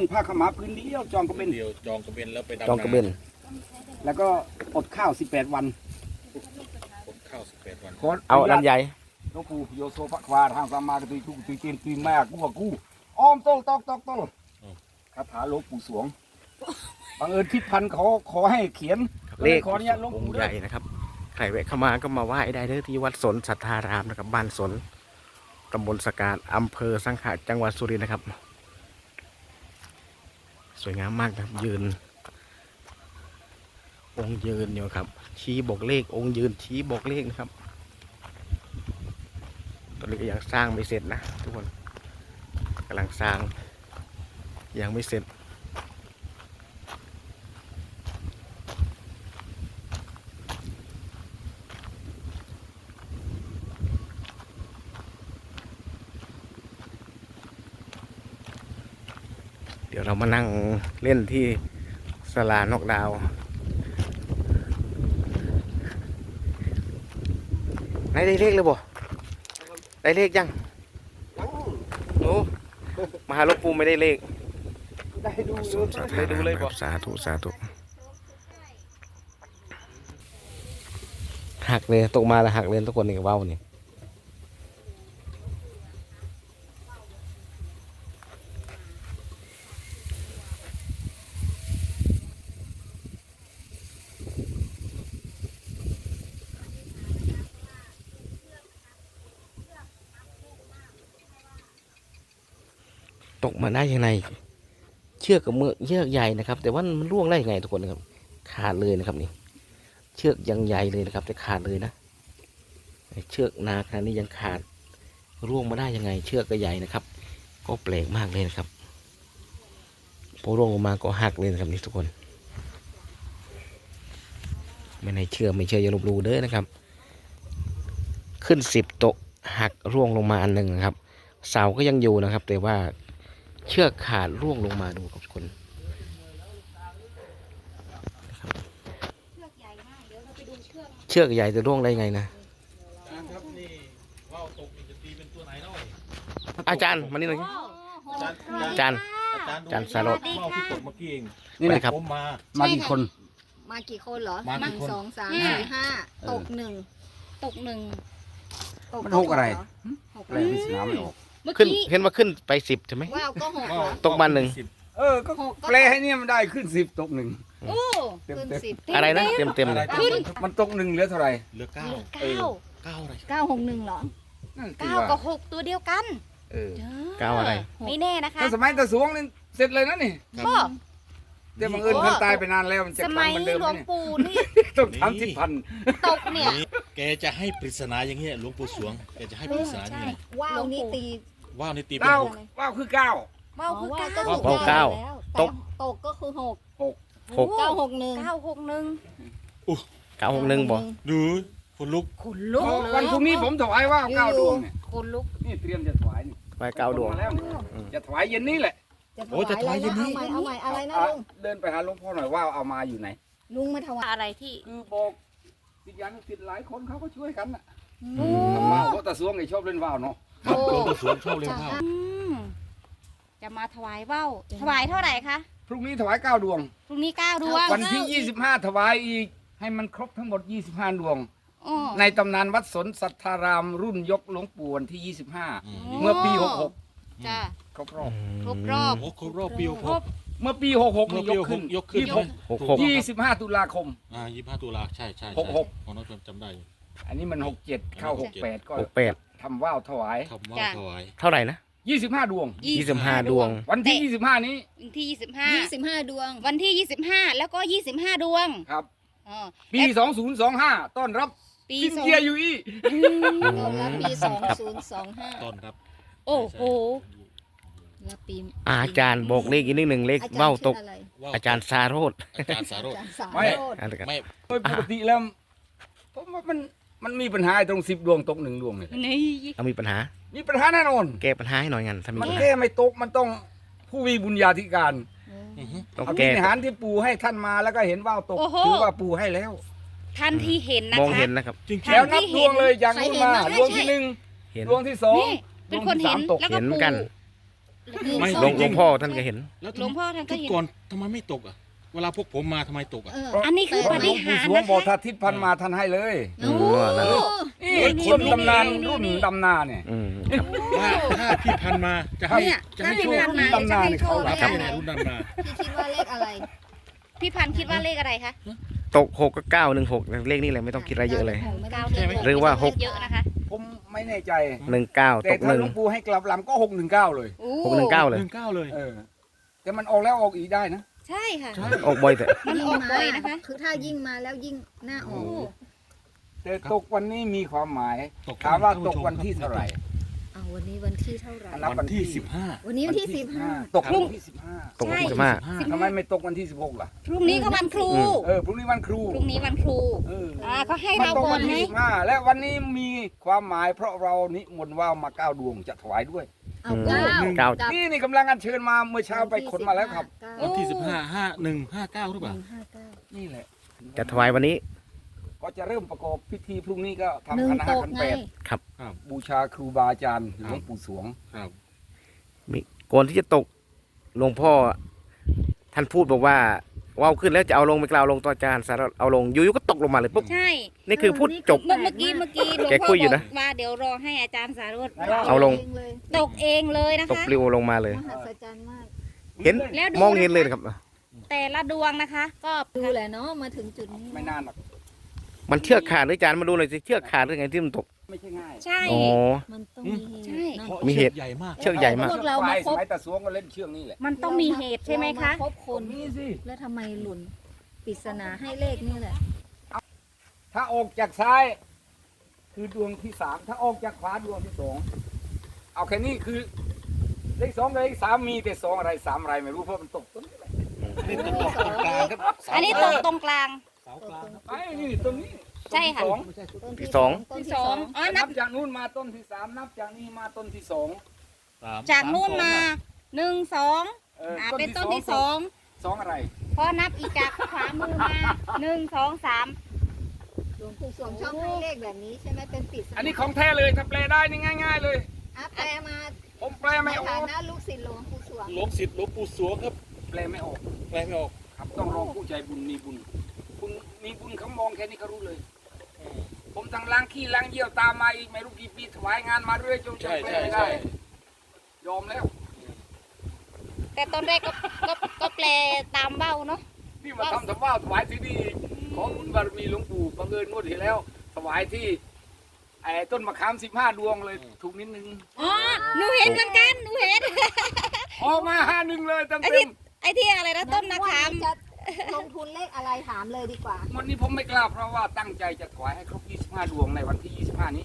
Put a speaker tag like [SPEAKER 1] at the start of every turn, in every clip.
[SPEAKER 1] ผ้าขาวม้าพื้นเดียวจองกระเบน
[SPEAKER 2] เดียวจองกระเบนแล้วไปดำ
[SPEAKER 3] จองกระเบน
[SPEAKER 1] แล้วก็อดข้าว18 วัน
[SPEAKER 2] อดข้าว18 วัน
[SPEAKER 3] เอาลำไย
[SPEAKER 1] หลวงปู่โยโซภควาทางสามมากระตุยทุกตุยเตียนตุยแม่กูอ้อมโตตอกคาถาหลวงปู่สวงบังเอิญทิศพันธ์เขาขอให้เขียน
[SPEAKER 3] เลข
[SPEAKER 1] ขออนุญาตหลวง
[SPEAKER 3] อง
[SPEAKER 1] ปู่
[SPEAKER 3] ค์
[SPEAKER 1] ด้
[SPEAKER 3] ให
[SPEAKER 1] วย
[SPEAKER 3] ญ่นะครับใครแวะเข้ามาก็มาไหว้ได้เลยที่วัดสนสัทธารามนะครับบ้านสนตำบลสการอำเภอสังขะจังหวัดสุรินทร์นะครับ สวยงามมากนะครับยืน องค์ยืนอยู่ครับ ชี้บอกเลของค์ยืนชี้บอกเลขนะครับตอนนี้ก็ยังสร้างไม่เสร็จนะทุกคนกำลังสร้างยังไม่เสร็จเดี๋ยวเรามานั่งเล่นที่ศาลานอกดาวไหนได้เลขเลยบ่ได้เลขยังโอ้มาหาหลวงปู่ไม่ได้เลข
[SPEAKER 1] ได้ดู
[SPEAKER 3] ได้ดูเลยบ่สาธุสาธุหักเลยตกมาแล้วหักเลยทุกคนนี่ว้าวนี่ตกมาได้ยังไงเชือกกับมือเชือกใหญ่นะครับ แต่ว่ามันร่วงได้ยังไงทุกคนนะครับขาดเลยนะครับนี่เชือกยังใหญ่เลยนะครับแต่ขาดเลยนะเชือกหนาขนาดนี้ยังขาดร่วงมาได้ยังไง เชือกก็ใหญ่นะครับ ก็แปลกมากเลยนะครับพอร่วงลงมาก็หักเลยนะครับนี่ทุกคนไม่ในเชื่อไม่เชื่ออย่าลบหลู่เด้อนะครับ ขึ้น10 โต๊ะหักร่วงลงมาอันหนึ่งนะครับ เสาก็ยังอยู่นะครับ แต่ว่าเชือกขาดร่วงลงมาดูครับทุกคน
[SPEAKER 4] เชือกใหญ่มากเดี๋ยวเราไปดูเชือก
[SPEAKER 3] เชือกใหญ่จะร่วงได้ไงนะ
[SPEAKER 2] ครับนี่ว่าวตกนี่จะตีเป็นตัวไหนเนาะ
[SPEAKER 3] อาจารย์มานี่หน่อย อาจารย์ อาจารย์สารส
[SPEAKER 2] ว่าวที่ตกเมื่อกี้เอง
[SPEAKER 1] นี่นะ
[SPEAKER 3] ครับ
[SPEAKER 2] ผมมา
[SPEAKER 1] มากี่คน
[SPEAKER 4] มากี่คนเหรอ
[SPEAKER 2] มากี่คน
[SPEAKER 4] 1 2 3 4 5ตกหนึ่งตกหนึ่งตก
[SPEAKER 1] มันหกอะไร
[SPEAKER 4] หก
[SPEAKER 1] แปลพิศนาไม่ออก
[SPEAKER 4] เมื่อ
[SPEAKER 3] ขึ้น
[SPEAKER 4] กี้
[SPEAKER 3] เห็นว่าขึ้นไป10ใช่ไหม
[SPEAKER 4] ว่าวก็หกเหรอ
[SPEAKER 3] ตกมาหนึ่ง
[SPEAKER 1] ก็แปลให้เนี่ยมันได้ขึ้น10 ตก 1
[SPEAKER 4] โอ้ขึ้น10
[SPEAKER 3] อะไรนะเต็มเต็มเลย
[SPEAKER 4] ขึ้น
[SPEAKER 1] มันตก 1เหลือเท่าไหร่
[SPEAKER 2] เหลือ
[SPEAKER 4] เก้า
[SPEAKER 2] เก้าอะไร
[SPEAKER 4] 961เหรอ
[SPEAKER 1] นั่นคือ
[SPEAKER 4] เก้า
[SPEAKER 1] ว่า
[SPEAKER 4] กับ6ตัวเดียวกัน
[SPEAKER 3] เก้าอะไร
[SPEAKER 4] ไม่แน่นะคะ
[SPEAKER 1] ถ้าสมัยตะสวงนี่เสร็จเลยนะนี่
[SPEAKER 4] ก็
[SPEAKER 1] แต่บังเอิญท่านตายไปนานแล้วมันจะ
[SPEAKER 4] ส
[SPEAKER 1] ค
[SPEAKER 4] มั
[SPEAKER 1] รั้ง
[SPEAKER 4] ย
[SPEAKER 1] เหมือนเดิม
[SPEAKER 4] หลวง
[SPEAKER 1] เนี่ย
[SPEAKER 4] ปู่นี่
[SPEAKER 1] ต้องทำ10,000
[SPEAKER 4] ตกเนี่ย
[SPEAKER 2] แกจะให้ปริศนาอย่างเงี้ยหลวงปู่สวงแกจะให้ปริศนาอย่าง
[SPEAKER 4] ใช่
[SPEAKER 2] เงี้ย
[SPEAKER 4] ว่าวนี่ตี
[SPEAKER 2] ว่าวนี่ตีเป็น
[SPEAKER 1] เก้า
[SPEAKER 2] หก
[SPEAKER 1] ว้าวคือเก้า
[SPEAKER 4] ว่าวคือ
[SPEAKER 3] ว่าว
[SPEAKER 4] 9
[SPEAKER 3] เก้าตก
[SPEAKER 4] ตกก็คือ6
[SPEAKER 3] หก
[SPEAKER 4] 961
[SPEAKER 3] 961บ่
[SPEAKER 2] ดูคนลุก
[SPEAKER 4] ขนลุก
[SPEAKER 1] วันพรุ่งนี้ผมถวายว่าว9 ดวงเนี่ย
[SPEAKER 4] ขนลุก
[SPEAKER 1] นี่เตรียมจะถวายนี่
[SPEAKER 3] ไป9 ดวง
[SPEAKER 1] มาแล้วนี่จะถวายเย็นนี้แหละ
[SPEAKER 2] โอ้จะถวายเย็นนี้
[SPEAKER 4] เอาใหม่อะไรนะลุง
[SPEAKER 1] เดินไปหาหลวงพ่อหน่อยว่าวเอามาอยู่ไหน
[SPEAKER 4] ลุงมาถวายอะไรที่
[SPEAKER 1] คือบอกติดยันติดหลายคนเขาก็ช่วยกันน่ะ
[SPEAKER 4] โอ้
[SPEAKER 1] ทำว่าวเพราะตะสวงไอ้ชอบเล่นว่าวเนาะ
[SPEAKER 2] ครับหลวงปู่สวงชอบเล่นว่าว
[SPEAKER 4] จะมาถวายว่าวถวายเท่าไหร่คะ
[SPEAKER 1] พรุ่งนี้ถวาย9 ดวง
[SPEAKER 4] พรุ่งนี้9 ดวง
[SPEAKER 1] วันที่ 25 ถวายอีก ให้มันครบทั้งหมด 25 ดวง
[SPEAKER 4] อ๋อ
[SPEAKER 1] ในตำนานวัดสนสัทธารามรุ่นยกหลวงปู่วันที่ 25 เมื่อปี 66
[SPEAKER 4] จ้ะ
[SPEAKER 1] ครบรอบ
[SPEAKER 4] ครบรอบ
[SPEAKER 2] โอ้ครบรอบปี
[SPEAKER 4] ครบ
[SPEAKER 1] เมื่อปี 66
[SPEAKER 2] เมื่อ
[SPEAKER 1] นี่
[SPEAKER 2] ปี
[SPEAKER 1] ยกขึ้น
[SPEAKER 2] ยกขึ้น
[SPEAKER 3] 66
[SPEAKER 1] 25 ตุลาคม
[SPEAKER 2] 25 ตุลาใช่ใช่
[SPEAKER 1] หกหก
[SPEAKER 2] ของน้องจำได้อยู่
[SPEAKER 1] อันนี้มัน 67 เข้า 68 ก็
[SPEAKER 3] 68
[SPEAKER 1] ทำว่าวถวาย
[SPEAKER 2] คำว่าวถวาย
[SPEAKER 3] เท่าไหร่นะ
[SPEAKER 1] 25 ดวง
[SPEAKER 3] 25 ดวง
[SPEAKER 1] วันที่ 25 นี้
[SPEAKER 4] วันที่25ดวง วันที่25แล้วก็25ดวง
[SPEAKER 1] ครับ
[SPEAKER 4] อ๋อ
[SPEAKER 1] ปี 2025 ต้อนรับ
[SPEAKER 4] ปี
[SPEAKER 1] ซิน
[SPEAKER 4] สอง
[SPEAKER 1] เจียยูอี
[SPEAKER 4] แล้วปี2025
[SPEAKER 2] ต้อนรับ
[SPEAKER 4] โอ้โห
[SPEAKER 5] แล้วปี
[SPEAKER 3] อาจารย์บอกเลขอีกนิดหนึ่งเลข
[SPEAKER 5] อาจารย์
[SPEAKER 3] เบ้าตก
[SPEAKER 5] ชื่ออะไร
[SPEAKER 2] ว่าว
[SPEAKER 3] อาจารย์สาโรธ
[SPEAKER 2] อาจารย์สาโรจน์
[SPEAKER 5] อาจารย์สาร
[SPEAKER 1] ไม่
[SPEAKER 5] โรจน์
[SPEAKER 3] อันนี้กัน
[SPEAKER 2] ไม่
[SPEAKER 1] โดยปกติแล้วผมว่ามันมีปัญหาตรง10 ดวงตก1 ดวงเนี่ย
[SPEAKER 4] นี่
[SPEAKER 3] เอามีปัญหา
[SPEAKER 1] มีปัญหาแน่นอน
[SPEAKER 3] แก้ปัญหาให้หน่อยงั้นถ้ามี
[SPEAKER 1] มัน
[SPEAKER 3] ปัญหา
[SPEAKER 1] แก้ไม่ตกมันต้องผู้มีบุญญาธิการ
[SPEAKER 2] อือฮึ
[SPEAKER 3] ต้อง
[SPEAKER 1] เอา
[SPEAKER 3] แก้
[SPEAKER 1] วิหารที่ปู่ให้ท่านมาแล้วก็เห็นว่าวตกถือว่าปู่ให้แล้ว
[SPEAKER 4] ท่านที่เห็นนะ
[SPEAKER 3] มอง
[SPEAKER 4] คะ
[SPEAKER 3] เห็นนะครับ
[SPEAKER 2] จริง
[SPEAKER 4] ท่า
[SPEAKER 1] แล้วนับดวงเลยอย่างนู้นมา
[SPEAKER 4] ใครเห็นบ้าง
[SPEAKER 1] ดวงที่
[SPEAKER 4] ใช่
[SPEAKER 1] 1
[SPEAKER 3] เห็น
[SPEAKER 1] ดวงที่2
[SPEAKER 4] นี่เป็นคนเห็น
[SPEAKER 1] ดวงที่3ตก
[SPEAKER 4] แล้วก็
[SPEAKER 3] เห็นเหมือนกัน
[SPEAKER 4] ป
[SPEAKER 2] ไม่
[SPEAKER 3] หลวงพ่อท่านก็เห็น
[SPEAKER 2] แล้ว
[SPEAKER 4] หลวงพ่อท่านก็
[SPEAKER 2] ทุก
[SPEAKER 4] เห็น
[SPEAKER 2] ก่อนทำไมไม่ตกอ่ะ เวลาพวกผมมาทำไมตกอ่ะ
[SPEAKER 4] อันนี้คือ
[SPEAKER 1] หล
[SPEAKER 4] ป
[SPEAKER 1] วง
[SPEAKER 4] ฏิ
[SPEAKER 1] ปู่
[SPEAKER 4] หารย์
[SPEAKER 1] สวง
[SPEAKER 4] นะ
[SPEAKER 1] บอก
[SPEAKER 4] คะ
[SPEAKER 1] ถ้าทิศพันมาท่านให้เลย
[SPEAKER 4] โอ้
[SPEAKER 3] นั่น
[SPEAKER 1] นี่คนตำนานรุ่นดำนาเนี่ย
[SPEAKER 3] อืม
[SPEAKER 2] ถ้าพี่พันมาจะให้
[SPEAKER 4] เนี่ย
[SPEAKER 2] จะ
[SPEAKER 4] ถ้า
[SPEAKER 2] ให้
[SPEAKER 4] พี่
[SPEAKER 2] โชค
[SPEAKER 4] พันมา
[SPEAKER 1] ตำนาน
[SPEAKER 4] จะให้โชค
[SPEAKER 1] เขา
[SPEAKER 4] เล
[SPEAKER 2] ครั
[SPEAKER 4] ย
[SPEAKER 2] บรุ่นนั้นมา
[SPEAKER 5] พี่คิดว่าเลขอะไร
[SPEAKER 4] พี่พันธุ์คิดว่าเลขอะไรคะ
[SPEAKER 3] ตก6 กับ 9 1 6เลขนี้เลยไม่ต้องคิดอะไรเยอะเลย
[SPEAKER 4] เก้า
[SPEAKER 2] ใช่ไหม
[SPEAKER 3] หรือว่า
[SPEAKER 4] เลขเยอะนะคะ
[SPEAKER 1] ผมไม่แน่ใจ
[SPEAKER 3] 19
[SPEAKER 1] แต่
[SPEAKER 3] ตก
[SPEAKER 1] ถ้าหลวงปู่ให้กลับลำก็619เลย
[SPEAKER 4] โอ้
[SPEAKER 3] 619เลย
[SPEAKER 2] 19เลย
[SPEAKER 1] เออ แต่มันออกแล้วออกอีกได้นะ
[SPEAKER 4] ใช่ค่ะ
[SPEAKER 2] ใช่
[SPEAKER 3] ออกบ่อยแต่
[SPEAKER 4] มันออกบ่อยนะคะ
[SPEAKER 5] คือถ้ายิ่งมาแล้วยิ่งหน้าออก
[SPEAKER 1] แต่ตกวันนี้มีความหมาย
[SPEAKER 2] ตก
[SPEAKER 1] ถามว่าตกวันที่เท่าไหร่
[SPEAKER 5] เอาวันนี้วันที่เท่าไหร่
[SPEAKER 1] นับ
[SPEAKER 2] วันที่15
[SPEAKER 5] วันนี้วันที่สิบห้า
[SPEAKER 1] ตกวันที่15
[SPEAKER 3] ตก
[SPEAKER 4] ใช่
[SPEAKER 3] ใช่ไหม
[SPEAKER 1] ทำไมไม่ตกวันที่16ล่ะ
[SPEAKER 4] พรุ่งนี้ก็วันครู
[SPEAKER 1] พรุ่งนี้วันครู
[SPEAKER 4] พรุ่งนี้วันครู
[SPEAKER 1] เออ
[SPEAKER 4] เขาให้
[SPEAKER 1] มัน
[SPEAKER 4] เรา
[SPEAKER 1] ตก
[SPEAKER 4] ก่อ
[SPEAKER 1] วัน น
[SPEAKER 4] ไหม
[SPEAKER 1] ที่15และวันนี้มีความหมายเพราะเรานิมนต์ว่าวมา9 ดวงจะถวายด้วย
[SPEAKER 5] เอา
[SPEAKER 3] อืม
[SPEAKER 5] เก้า
[SPEAKER 3] เก้า
[SPEAKER 1] นี่กำลังอัญเชิญมาเมื่อเช้าไปขนมาแล้วครับ
[SPEAKER 2] วันที่15 51 59หรือเปล่า
[SPEAKER 1] นี่แหละ
[SPEAKER 3] จะถวายวันนี้
[SPEAKER 1] ก็จะเริ่มประกอบพิธีพรุ่งนี้ก็
[SPEAKER 5] หนึ่
[SPEAKER 1] ทำ
[SPEAKER 5] ง
[SPEAKER 1] คณะ
[SPEAKER 5] ตก
[SPEAKER 1] ขัน
[SPEAKER 5] ไง
[SPEAKER 1] แปด
[SPEAKER 2] ครับ
[SPEAKER 1] บูชาครูบาอาจารย์หลวงปู่สวง
[SPEAKER 2] ครับ
[SPEAKER 3] มีก่อนที่จะตกหลวงพ่อท่านพูดบอกว่าว่าวขึ้นแล้วจะเอาลงไม่กล่าวลงต่ออาจารย์สารเอาลงอยู่ๆก็ตกลงมาเลยปุ๊บ
[SPEAKER 4] ใช่
[SPEAKER 3] นี่คือพูดจบ
[SPEAKER 4] เมื่อกี้หลวง
[SPEAKER 3] แก
[SPEAKER 4] พ่
[SPEAKER 3] คุ
[SPEAKER 4] อย
[SPEAKER 3] อยู่
[SPEAKER 4] บ
[SPEAKER 3] นะ
[SPEAKER 4] อกว่าเดี๋ยวรอให้อาจารย์สารุต
[SPEAKER 3] เอาลง
[SPEAKER 4] ตกเองเลยนะ
[SPEAKER 3] ตก
[SPEAKER 4] คะ
[SPEAKER 3] ปลิวลงมาเลย
[SPEAKER 5] มหัศจรรย์มาก
[SPEAKER 3] เห็น
[SPEAKER 4] แล้วดู
[SPEAKER 3] มองเห็นเลยนะครับ
[SPEAKER 4] แต่ละดวงนะคะ ก็
[SPEAKER 5] ดูแหละเนาะมาถึงจุดนี้
[SPEAKER 1] ไม่นานหรอก
[SPEAKER 3] มันเชือกขาดหรืออาจารย์มาดูหน่อยสิเชือกขาดหรือไงที่มันตก
[SPEAKER 1] ไม่ใช่ง่าย
[SPEAKER 4] ใช่
[SPEAKER 3] อ๋อ
[SPEAKER 5] มันต้องมีเหตุ
[SPEAKER 4] ใช่
[SPEAKER 5] เนอะ
[SPEAKER 2] เพราะ
[SPEAKER 3] มีเหตุ
[SPEAKER 2] ใหญ่มาก
[SPEAKER 3] เชือกใหญ่มาก
[SPEAKER 5] พวกเรามา
[SPEAKER 1] ส
[SPEAKER 5] พบ
[SPEAKER 1] มัยตะสวงก็เล่นเชือกนี่แหละ
[SPEAKER 4] มันต้องมีเหตุใช่ไหมคะ
[SPEAKER 5] เราาพบคน
[SPEAKER 1] มีสิ
[SPEAKER 5] แล้วทำไมหล่นปริศนาให้เลขนี่แหละ
[SPEAKER 1] ถ้าออกจากซ้าย คือดวงที่3ถ้าออกจากขวาดวงที่2เอาแค่นี้คือเลข2กับเลข3มีแต่2อะไร3อะไรไม่รู้เพราะมันตกต้นนี้แหละ
[SPEAKER 2] นี่ตกตรงกลางครับ
[SPEAKER 4] อันนี้ตกตรงกลาง
[SPEAKER 2] เสากลางครับ
[SPEAKER 1] ไอ้นี่ต้นนี้
[SPEAKER 4] ใช่ค่ะ
[SPEAKER 1] ต้น
[SPEAKER 2] ไม่ใช่
[SPEAKER 5] ต้น
[SPEAKER 3] ที่สอง
[SPEAKER 5] ต้น
[SPEAKER 4] ที่
[SPEAKER 5] ที่
[SPEAKER 4] ส
[SPEAKER 5] ส
[SPEAKER 4] อ
[SPEAKER 5] อง ง
[SPEAKER 4] อ๋อ
[SPEAKER 1] นั
[SPEAKER 4] นั
[SPEAKER 1] บบ จากนู้นมาต้นที่3นับจากนี้มาต้นที่2
[SPEAKER 4] จากนู่นมา1 2 เป็นต้นที่
[SPEAKER 1] 2อะไร
[SPEAKER 4] 2พอนับอีกจากขวามือมา1 2 3
[SPEAKER 5] หลวงปู่สวงชอบให้เลขแบบนี้ใช่ไหมเป็นปริศนา
[SPEAKER 1] อันนี้ของแท้เลยถ้าแปลได้นี่ง่ายๆเลย
[SPEAKER 5] อ่ะแปลมา
[SPEAKER 1] ผมแปล
[SPEAKER 5] ใน
[SPEAKER 1] ไม่ออ
[SPEAKER 5] ฐาก นะลูกศิษย์หลวงปู่สวง
[SPEAKER 2] หลวงศิษย์หลวงปู่สวงครับ
[SPEAKER 1] แปลไม่ออก
[SPEAKER 2] แปลไม่ออก
[SPEAKER 1] ครับต้องรอผู้ใจบุญมีบุญคุณมีบุญเขามองแค่นี้เขารู้เลย ผมทั้งล้างขี้ล้างเยี่ยวตามมาอีกไม่รู้กี่ปีถวายงานมาเรื่อยจน
[SPEAKER 2] ใช่
[SPEAKER 1] แปล
[SPEAKER 2] ใช่
[SPEAKER 1] ไม่
[SPEAKER 2] ใช่
[SPEAKER 1] ได้ยอมแล้ว
[SPEAKER 4] แต่ตอนแรกก็แปลตามเบ้าเนาะ
[SPEAKER 1] นี่มาทำถวายถวายที่นี่ขอบุญบารมีหลวงปู่บังเอิญงวดที่แล้ว ถวายที่ไอ้ต้นมะขาม15 ดวงเลยถูกนิดนึง
[SPEAKER 4] อ๋อหนูเห็นเหมือนกันหนูเห็น
[SPEAKER 1] ออกมา51เลยเต็ม
[SPEAKER 4] ไอ้
[SPEAKER 1] เต็
[SPEAKER 4] ที่
[SPEAKER 1] ม
[SPEAKER 4] ไอ้ที่อะไรนะต้นมะขาม
[SPEAKER 5] จะลงทุนเลขอะไรถามเลยดีกว่า
[SPEAKER 1] วันนี้ผมไม่กล้าเพราะว่าตั้งใจจะถวายให้ครบ25 ดวงในวันที่25 นี้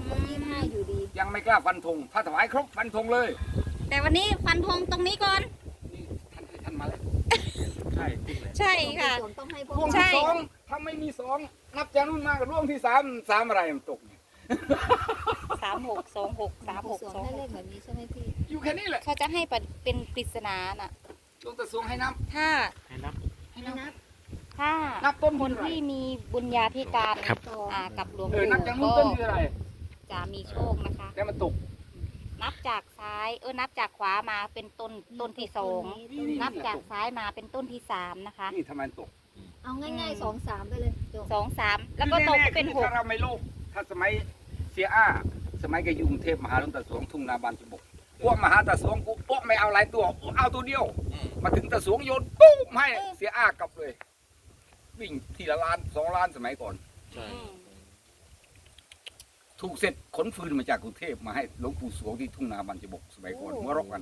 [SPEAKER 5] 25อยู่ดี
[SPEAKER 1] ยังไม่กล้าฟันธงถ้าถวายครบฟันธงเลย
[SPEAKER 4] แต่วันนี้ฟันธงตรงนี้ก่อน
[SPEAKER 1] นี่ท่านมาแล้ว
[SPEAKER 2] ใช่จริงเลย
[SPEAKER 4] ใช่ค่ะ
[SPEAKER 5] หลวงปู่สวงต้องให้พว
[SPEAKER 1] ด
[SPEAKER 5] ก
[SPEAKER 1] วง
[SPEAKER 4] ใช่
[SPEAKER 1] ที่2ถ้าไม่มี2นับจากนู้นมากับดวงที่3อะไรมันตกเนี่ย
[SPEAKER 4] 36 26
[SPEAKER 5] หลวงปู่สวงให้เลข
[SPEAKER 4] 36
[SPEAKER 5] แบบนี้ใช่ไหมพี่
[SPEAKER 1] อยู่แค่นี้แหละ
[SPEAKER 4] 26เขาจะให้เป็นปริศนาน่ะ
[SPEAKER 1] ดวงตะสวงให้นับ
[SPEAKER 4] ถ้า
[SPEAKER 2] ให้นับ
[SPEAKER 5] ให้นับ
[SPEAKER 4] ถ้า
[SPEAKER 1] นับต้น
[SPEAKER 4] คน
[SPEAKER 1] ที่
[SPEAKER 4] ที่มีบุญญาธิการ
[SPEAKER 3] ครับ
[SPEAKER 4] กับหลวง
[SPEAKER 1] เออ
[SPEAKER 4] ปู่
[SPEAKER 1] นับจากนู้น
[SPEAKER 4] ก็
[SPEAKER 1] ต้นที่อะไร
[SPEAKER 4] จะมีโชคนะคะ
[SPEAKER 1] แต่มันตก
[SPEAKER 4] นับจากซ้ายนับจากขวามาเป็นต้นที่ 2 นับจากซ้ายมาเป็นต้นที่ 3 นะคะ
[SPEAKER 1] นี่ทำไมมันตก
[SPEAKER 5] เอาง่ายๆ2-3ไปเลยจบ
[SPEAKER 4] 2 3 แล้วก็ตก
[SPEAKER 1] คือ
[SPEAKER 4] เป็น
[SPEAKER 1] ถ้าเราไม่โลภถ้าสมัยเสียอ้าสมัยแกอยู่กรุงเทพมหาหลวงตาสวงทุ่งนาบานจุบกพวกมหาตาสวงกูพวกไม่เอาหลายตัวเอาตัวเดียว มาถึงตาสวงโยนปุ๊บให้เสียอ้ากลับเลย วิ่งทีละล้าน2 ล้านสมัยก่อน
[SPEAKER 2] ใช่
[SPEAKER 1] ถูกเสร็จขนฟืนมาจากกรุงเทพมาให้หลวงปู่สวงที่ทุ่งนาบานจุบกสมัยก่อนหัวเรอกกัน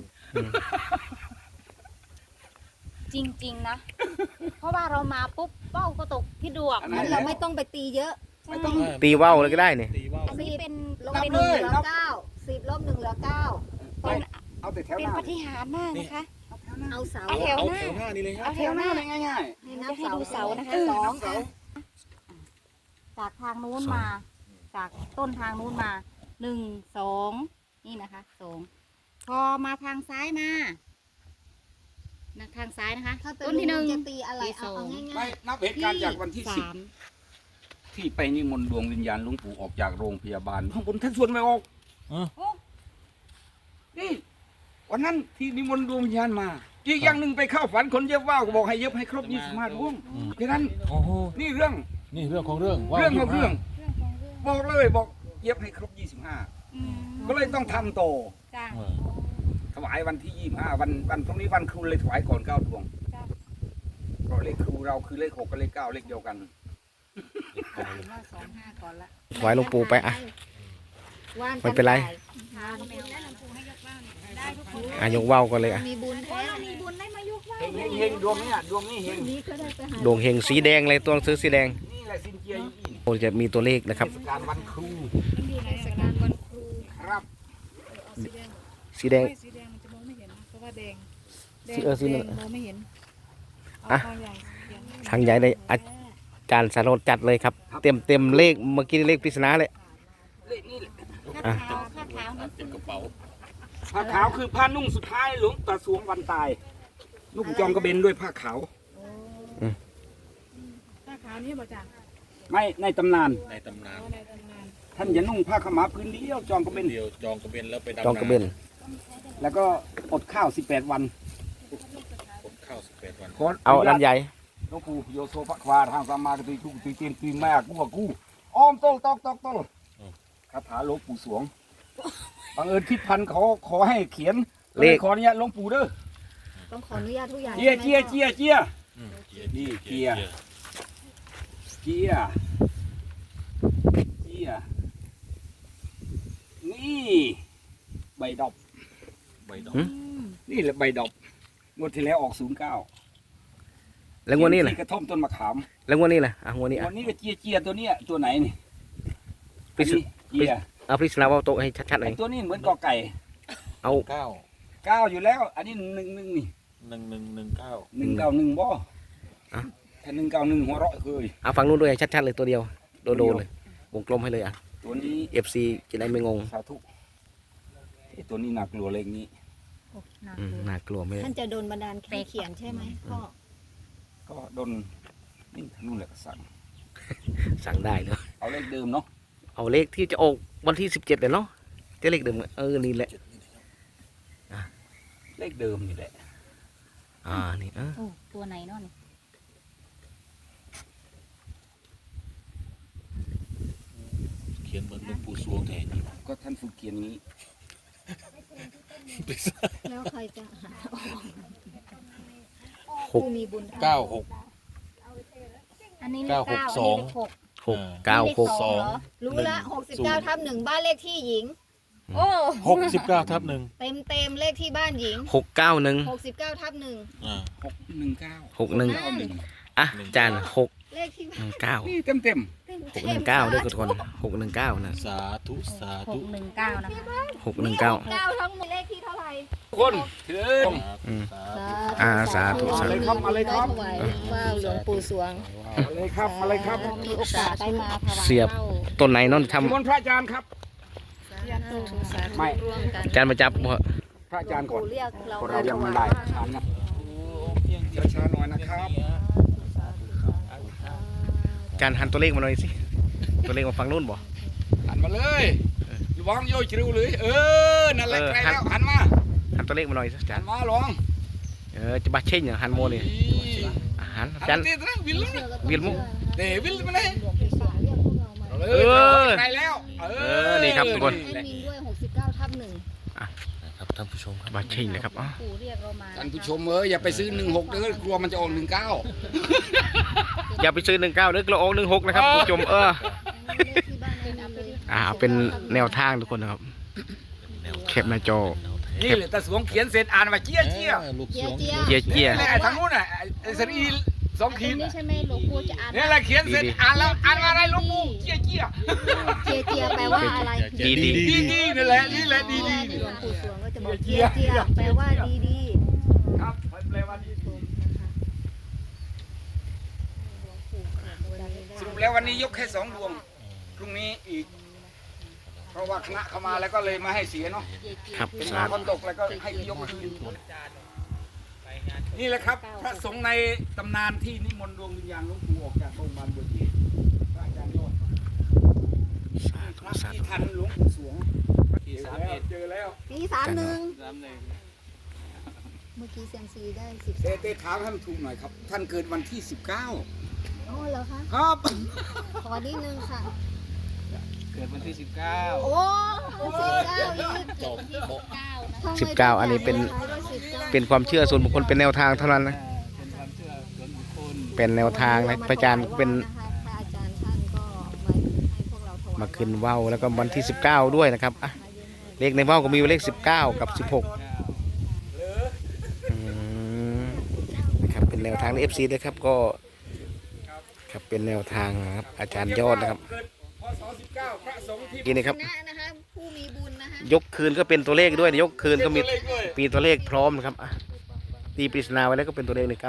[SPEAKER 4] จริง ๆ นะ เพราะว่าเรามาปุ๊บเป้าก็ตกที่ดวง
[SPEAKER 1] อันนั้น
[SPEAKER 5] งั้นเราไม่ต้องไปตีเยอะ
[SPEAKER 1] ไม่ต้อง
[SPEAKER 3] ตีว่าวเลยก็ได้เนี่ย
[SPEAKER 2] ตีว่าว
[SPEAKER 4] อันนี้เป็น
[SPEAKER 5] ลบ
[SPEAKER 1] นับ
[SPEAKER 5] 1
[SPEAKER 1] เล
[SPEAKER 5] เห
[SPEAKER 1] ย
[SPEAKER 5] ลือ
[SPEAKER 1] นับ
[SPEAKER 5] 9 10ลบ1เหลือ9
[SPEAKER 4] เป็น
[SPEAKER 1] เอาแต่แถว
[SPEAKER 4] เป็
[SPEAKER 1] ห
[SPEAKER 4] น
[SPEAKER 1] น้า
[SPEAKER 4] ปาฏิหาริย์มากนะคะ
[SPEAKER 5] เอาเสา
[SPEAKER 4] เอาแถว
[SPEAKER 2] เอา
[SPEAKER 4] หน้า
[SPEAKER 2] แถวหน้านี่เลยครั
[SPEAKER 4] เอา
[SPEAKER 2] บ
[SPEAKER 4] แถวหน้า
[SPEAKER 1] ง่าย
[SPEAKER 5] ให้นับ
[SPEAKER 4] จะให้ดูเสานะคะ
[SPEAKER 5] สอง
[SPEAKER 1] เสา
[SPEAKER 4] จากทางนู้นมา จากต้นทางนู้นมา1 2นี่นะคะ2พอมาทางซ้ายมาทางซ้ายนะคะ
[SPEAKER 5] ถ้าเป็น
[SPEAKER 4] ต้นที่ 1
[SPEAKER 5] จะตีอะไร
[SPEAKER 4] ที่ส
[SPEAKER 5] เอา
[SPEAKER 4] อง
[SPEAKER 5] ง่าย
[SPEAKER 1] ไม่นับเหตุการณ์จากวันที่
[SPEAKER 4] 3
[SPEAKER 1] 10ที่ไปนิมนต์ดวงวิญญาณหลวงปู่ออกจากโรงพยาบาลข้างบนท่านส่วนไม่ออก
[SPEAKER 2] อ๋อ
[SPEAKER 1] นี่วันนั้นที่นิมนต์ดวงวิญญาณมา อีกอย่างหนึ่งไปเข้าฝันคนเย็บว่าวก็บอกให้เย็บให้ครบ25ดวงแค่นั้น
[SPEAKER 2] โอ้โห
[SPEAKER 1] นี่เรื่อง
[SPEAKER 2] นี่เรื่องของเรื่องว่า
[SPEAKER 1] เรื่องของ
[SPEAKER 2] 25
[SPEAKER 1] เรื่อง บอกเลยบอกเย็บให้ครบ
[SPEAKER 4] อืม
[SPEAKER 1] 25ก็เลยต้องทำโตอ
[SPEAKER 4] จ้า
[SPEAKER 2] เออ
[SPEAKER 1] ถวายวันที่25วันพรุ่งนี้วันครูเลยถวายก่อน9ดวง
[SPEAKER 4] จ้า
[SPEAKER 1] เพราะเลขครูเราคือเลข6กับเลข9เลขเดียวกัน
[SPEAKER 4] ว่า25ก่อนละ
[SPEAKER 3] ถวายหลวงปู่ไปอ่ะ
[SPEAKER 5] ว่าน
[SPEAKER 3] ไม่เป็นไร
[SPEAKER 4] ทานแมวได้หลวงปู่ให้ยกบ้านได้ทุกคน
[SPEAKER 3] อ่ะยกว่าวกันเลยอ่ะ
[SPEAKER 5] มีบุญ
[SPEAKER 4] โอ้
[SPEAKER 5] แท้
[SPEAKER 4] เรามีบุญได้มายกว่าว
[SPEAKER 1] เฮงดวงนี้ดวงนี้เฮง
[SPEAKER 5] นี้ก็ได้ไปหา
[SPEAKER 3] ดวงเฮงสีแดงเลยตัวหนังสือสีแดง
[SPEAKER 1] นี่แหละสินเจียอยู่อีก
[SPEAKER 3] โอ้จะมีตัวเลขนะครับ
[SPEAKER 1] เทศกาลวันครู
[SPEAKER 4] มันอยู่ในเทศกาลวันครู
[SPEAKER 1] ครับ
[SPEAKER 3] สีแดง
[SPEAKER 4] สีแดงมันจะมองไม่เห็นนะเพราะว่าแดง
[SPEAKER 3] สีนั่น
[SPEAKER 4] มองไม่เห็น
[SPEAKER 3] อ่ะ
[SPEAKER 4] เอาใหญ่
[SPEAKER 3] ทางใหญ่เลยอาจารย์สารนจัดเลยครับ เต็มเลขเมื่อกี้เลขปริศนาเลย
[SPEAKER 1] เลขนี่แหละ
[SPEAKER 4] ผ้าขาวผ้าขาวนี่
[SPEAKER 2] เก็บกระเป๋า
[SPEAKER 1] ผ้าขาวคือผ้านุ่งสุดท้ายหลวงตาสวงวันตายนุ่งจองกระเบนด้วยผ้าขาว
[SPEAKER 4] ผ้าขาวนี่บ่จ้ะ
[SPEAKER 1] ไม่ในตำนาน
[SPEAKER 2] ในตำนาน
[SPEAKER 4] ในตำนาน
[SPEAKER 1] ท่านอย่านุ่งผ้าขาวม้าพื้นเดียวจองกระเบน
[SPEAKER 2] เดียวจองกระเบนแล้วไปดำ
[SPEAKER 3] จองกระเบน
[SPEAKER 1] แล้วก็อดข้าว18 วัน
[SPEAKER 2] ผมเข้า18 วัน
[SPEAKER 1] ขอ
[SPEAKER 3] เอาด้านใหญ่
[SPEAKER 1] หลวงปู่โยโซภควาทางสามากตุยทุกตุยเตียนตุยแม่กูอ้อมโต้ตอกคาถาหลวงปู่สวงบังเอิญทิศพันธ์ขอให้เขียนก็เลยขออนุญาตหลวงปู่เด้อ
[SPEAKER 5] ต้องขออนุญาตทุกอย่าง
[SPEAKER 1] เจีย
[SPEAKER 5] ใช่ไหม
[SPEAKER 1] เจีย
[SPEAKER 5] พ่อ
[SPEAKER 1] เจียเจีย
[SPEAKER 2] นี่
[SPEAKER 1] เกียร์ เจียเจียนี่ใบดอก
[SPEAKER 2] ใบดอก
[SPEAKER 3] หืม
[SPEAKER 1] นี่แหละใบดอกงวดที่แล้วออก09
[SPEAKER 3] แล้วงวดนี้แหละ
[SPEAKER 1] ที่กระท่อมต้นมะขาม
[SPEAKER 3] แล้วงวดนี้แหละอ่ะงวดนี้อ่ะ
[SPEAKER 1] วันนี้ก็เจียเจียตัวเนี้ยตัวไหนนี่
[SPEAKER 3] ปริศ
[SPEAKER 1] อันนี้เจีย
[SPEAKER 3] เอาปริศนาว่าวโตให้ชัดๆหน่
[SPEAKER 1] ไอ้
[SPEAKER 3] อย
[SPEAKER 1] ตัวนี้เหมือนกอไก่
[SPEAKER 3] เอา
[SPEAKER 2] 9
[SPEAKER 1] 9อยู่แล้ว อันนี้11นี่
[SPEAKER 2] 1119
[SPEAKER 1] 191บ่ถ้า191หัวเราะเคย
[SPEAKER 3] เอาฟังนู้นด้วยให้ชัดๆเลยตัวเดียวโดนๆเลยวงกลมให้เลยอ่ะ
[SPEAKER 1] ตัวนี้
[SPEAKER 3] FC จะได้ไม่งง
[SPEAKER 1] สาธุไอ้ตัวนี้น่ากลัวเลขนี้
[SPEAKER 4] โอ้หนัก
[SPEAKER 3] น่ากลัวไม่ได้
[SPEAKER 5] ท่านจะโดนบันดาลให้เขียนใช่ไหมพ่อ
[SPEAKER 1] ก็โดนนี่ทางนู่นแหละก็สั่ง
[SPEAKER 3] สั่งได้เลย
[SPEAKER 1] เอาเลขเดิมเนาะ
[SPEAKER 3] เอาเลขที่จะออกวันที่17เลยเนาะจะเลขเดิมนี่แหละ
[SPEAKER 1] เลขเดิมนี่แหละ
[SPEAKER 3] นี่
[SPEAKER 4] โอ้ตัวไหนเนาะนี่
[SPEAKER 2] เขียนเหมือนหลวงปู่สวงแทน
[SPEAKER 1] ก็ท่านฝึกเขียนนี้
[SPEAKER 5] แล้วใครจะหาออก
[SPEAKER 3] หก
[SPEAKER 5] ผู้มีบุญ
[SPEAKER 2] 96
[SPEAKER 4] อันนี้เลขเก้า
[SPEAKER 2] 962
[SPEAKER 4] อันนี้เลขหก
[SPEAKER 3] 696
[SPEAKER 5] รู้ละ69/1บ้านเลขที่หญิง
[SPEAKER 4] โอ้
[SPEAKER 2] 69/1
[SPEAKER 5] เต็มเลขที่บ้านหญิง
[SPEAKER 3] 691
[SPEAKER 5] 69/1
[SPEAKER 2] อ่า
[SPEAKER 1] 619
[SPEAKER 3] อ่ะจาน619
[SPEAKER 5] เลขที่บ้าน
[SPEAKER 1] นี่เต็ม
[SPEAKER 5] เต็ม
[SPEAKER 3] 619ด้วยทุกคน619นะ
[SPEAKER 2] สาธุสาธุ
[SPEAKER 4] 619นะคะ
[SPEAKER 3] 619
[SPEAKER 5] 9ทั้งหมดเลขที่เท่าไหร่
[SPEAKER 1] ๆคนเถิด
[SPEAKER 3] อืม
[SPEAKER 2] สาธุ
[SPEAKER 3] สาธุ
[SPEAKER 1] มาเลยครับมาเลยครับ
[SPEAKER 5] ถวายว่าวหลวงปู่สวง
[SPEAKER 1] มาเลยครับมาเลยครับ
[SPEAKER 5] มีโอกาสได้มาถวาย
[SPEAKER 3] เสียบ ต้นไหนเนอนท
[SPEAKER 1] นิมนต์พระอาจารย์ครับ
[SPEAKER 5] สาธุ
[SPEAKER 1] ไม่
[SPEAKER 5] ร่วมกัน
[SPEAKER 3] ำจานมาจับบ่
[SPEAKER 1] พระอาจารย์ก่อน
[SPEAKER 5] ปู่เรียกเรา
[SPEAKER 1] เพราะเรายังไม่ได้ทานนะช้าๆหน่อยนะครับ
[SPEAKER 3] จานหันตัวเลขมาหน่อยสิ ตัวเลขมาฟังนู่นบ่
[SPEAKER 1] หันมาเลยระวังโยจิริวเลยนั่นแหละใกล้แล้วหันมา
[SPEAKER 3] หันตัวเลขมาหน่อยสิจา
[SPEAKER 1] หั
[SPEAKER 3] น
[SPEAKER 1] นมาลอง
[SPEAKER 3] จะบาเช่นอย่างหันโมนี่หัน
[SPEAKER 1] หั
[SPEAKER 3] จาน
[SPEAKER 1] นตีนะวิลล์
[SPEAKER 3] วิลมุ
[SPEAKER 1] เดวิลล์มาเลย
[SPEAKER 5] หลวงปู่สวงเรียกพวกเรามา
[SPEAKER 1] ใกล้แล้ว
[SPEAKER 3] นี่ครับทุกคน
[SPEAKER 5] แอดมินด้วย69/1
[SPEAKER 2] นะครับท่านผู้ชมครับ
[SPEAKER 3] บาเช่นนะครับอ๋อ
[SPEAKER 4] ปู่เรียกเรามา
[SPEAKER 1] ท่านผู้ชมอย่าไปซื้อ16เด้อกลัวมันจะออก19
[SPEAKER 3] อย่าไปซื้อ19เด้อกระโอง16นะครับผู้ชม
[SPEAKER 5] เลขที่บ้านแอดมินเลย
[SPEAKER 3] เป็นแนวทางทุกคนนะครับแคปหน้าจอ
[SPEAKER 1] นี่แหละตาสวงเขียนเสร็จอ่านว่าเจี๊ยเจี๊ย
[SPEAKER 2] ลูก
[SPEAKER 5] เจี
[SPEAKER 2] ส
[SPEAKER 5] ยว
[SPEAKER 2] ง
[SPEAKER 5] เจีย
[SPEAKER 3] เจียเจีย
[SPEAKER 1] นี่แหละทางนู้นไอ้สรี2
[SPEAKER 4] ตรง
[SPEAKER 1] ขีด
[SPEAKER 4] นี้ใช่ไหมหลวงปู่จะอ่าน
[SPEAKER 1] นี่แหละเขียนเสร็จอ่านแล้วอ่านว่าอะไรหลวงปู่เจี๊ยเจี๊ย
[SPEAKER 5] เจียเจียแปลว่าอะไร
[SPEAKER 3] ดี
[SPEAKER 1] ดีนั่นแหละนี่แหละดี
[SPEAKER 5] หลวงปู่สวงก็จะบอกเจียเจียแปลว่าดี
[SPEAKER 1] ครับแปลว่าดีสรุปแล้ววันนี้ยกแค่2 ดวงพรุ่งนี้อีก เพราะว่าคณะเข้ามาแล้วก็เลยมาให้เสียเนาะ
[SPEAKER 3] ครับ
[SPEAKER 1] เป็น
[SPEAKER 3] สา
[SPEAKER 1] มา
[SPEAKER 3] ธุ
[SPEAKER 1] คนตกแล้วก็ให้ยกคืนนี่แหละครับ พระสงฆ์ในตำนานที่นิมนต์ดวงวิญญาณหลวงปู่ออกจากโรงพยาบาลบัวจีนพระอาจารย์ยอด
[SPEAKER 3] สาธุ
[SPEAKER 1] พระ
[SPEAKER 3] สา
[SPEAKER 1] ที่
[SPEAKER 3] ธุ
[SPEAKER 1] ทันหลวงปู่สวงเจอแล้ว
[SPEAKER 5] ๆปี31 เมื่อกี้เซียมซีได้สิบ
[SPEAKER 1] เต้ถามให้มันถูกหน่อยครับ ท่านเกิดวันที่ 19
[SPEAKER 5] อ๋อเหรอคะ
[SPEAKER 1] ครับ
[SPEAKER 5] ขอนิดนึงค่ะ
[SPEAKER 2] เกิดวันที่
[SPEAKER 5] โอ้19อีก
[SPEAKER 2] 19จบโบะ
[SPEAKER 5] ทำไม
[SPEAKER 3] 19อันนี้เป็น เป็นความเชื่อส่วนบุคคลเป็นแนวทางเท่านั้นนะ
[SPEAKER 2] เป็นความเชื่อส่วนบุคคล
[SPEAKER 3] เป็นแนวทางนะพระอาจารย์เป็น
[SPEAKER 5] พระอาจารย์ท่านก็มาให้พวกเราถวาย
[SPEAKER 3] มาขึ้นว่าวแล้วก็วันที่ 19 ด้วยนะครับอ่ะเลขในว่าวก็มีเลข 19 กับ 16อืมนะครับเป็นแนวทางใน FC ด้วยครับก็ครับเป็นแนวทางนะครับอาจารย์ยอดนะครับ
[SPEAKER 1] เกิดพศ19พระสงฆ์ที่
[SPEAKER 3] นี่นะครับ
[SPEAKER 5] คณะนะคะผู้มีบุญนะคะ
[SPEAKER 3] ยกคืนก็เป็นตัวเลขด้วยยกคืนก็มีปีตัวเลขพร้อมนะครับอ่ะตีปริศนาไว้แล้วก็เป็นตัวเลขใน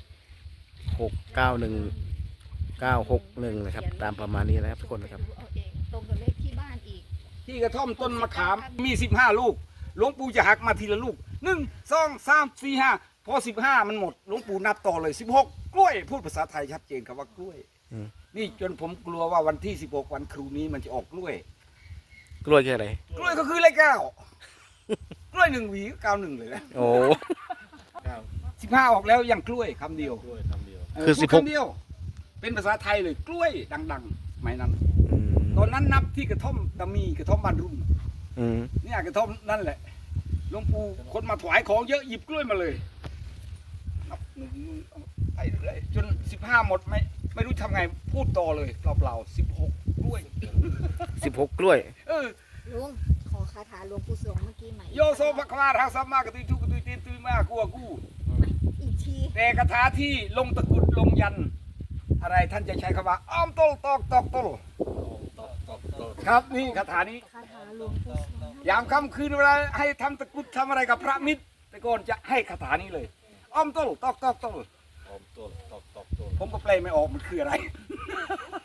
[SPEAKER 3] 91 691 961นะครับตามประมาณนี้นะครับทุกคนนะครับ
[SPEAKER 5] เอาเองตรงกับเลขที่บ้านอีก
[SPEAKER 1] ที่กระท่อมต้นมะขามมี15 ลูกหลวงปู่จะหักมาทีละลูก1 2 3 4 5พอ15มันหมดหลวงปู่นับต่อเลย16กล้วยพูดภาษาไทยชัดเจนครับว่ากล้วย
[SPEAKER 3] อืม
[SPEAKER 1] นี่จนผมกลัวว่าวันที่16วันครูนี้มันจะออกกล้วย
[SPEAKER 3] กล้วยคืออะไร
[SPEAKER 1] กล้วยก็คือเลข9กล้วย1 หวี91เลยนะ
[SPEAKER 3] โอ้
[SPEAKER 1] 15ออกแล้วยังกล้วยคำเดียว
[SPEAKER 2] ด้วยคำเดียว
[SPEAKER 3] คือ
[SPEAKER 1] พูด
[SPEAKER 3] 16
[SPEAKER 1] คำเดียว เป็นภาษาไทยเลยกล้วยดังๆสมัยนั้น
[SPEAKER 3] อืม
[SPEAKER 1] ตอนนั้นนับที่กระท่อมตะมีกระท่อมบ้านรุ่ง
[SPEAKER 3] อืม
[SPEAKER 1] เนี่ยกระท่อมนั่นแหละหลวงปู่คนมาถวายของเยอะหยิบกล้วยมาเลยนับไปเรื่อยจน15หมดไม่รู้ทำไงพูดต่อเลยเปล่าๆ16กล้วย
[SPEAKER 3] 16 กล้วย
[SPEAKER 1] เออ
[SPEAKER 5] ลุงขอคาถาหลวงปู่สวงเมื่อกี้ใหม่
[SPEAKER 1] โยโซภควาทางสัมมากระตุยทุกกระตุยตีนตุยมากกลัวกู้
[SPEAKER 5] อีกที
[SPEAKER 1] แต่คาถาที่ลงตะกรุดลงยัน อะไรท่านจะใช้คำว่าอ้อมตลตอกตอกตลครับนี่คาถานี้
[SPEAKER 5] คาถาหลวงปู่สวง
[SPEAKER 1] ยามค่ำคืนเวลาให้ทำตะกรุดทำอะไรกับพระมิตรแต่ก่อนจะให้คาถานี้เลยอ้อมตลตอกตอกตล
[SPEAKER 2] อมต้นตอกต้น
[SPEAKER 1] ผมก็แปลไม่ออกมันคืออะไร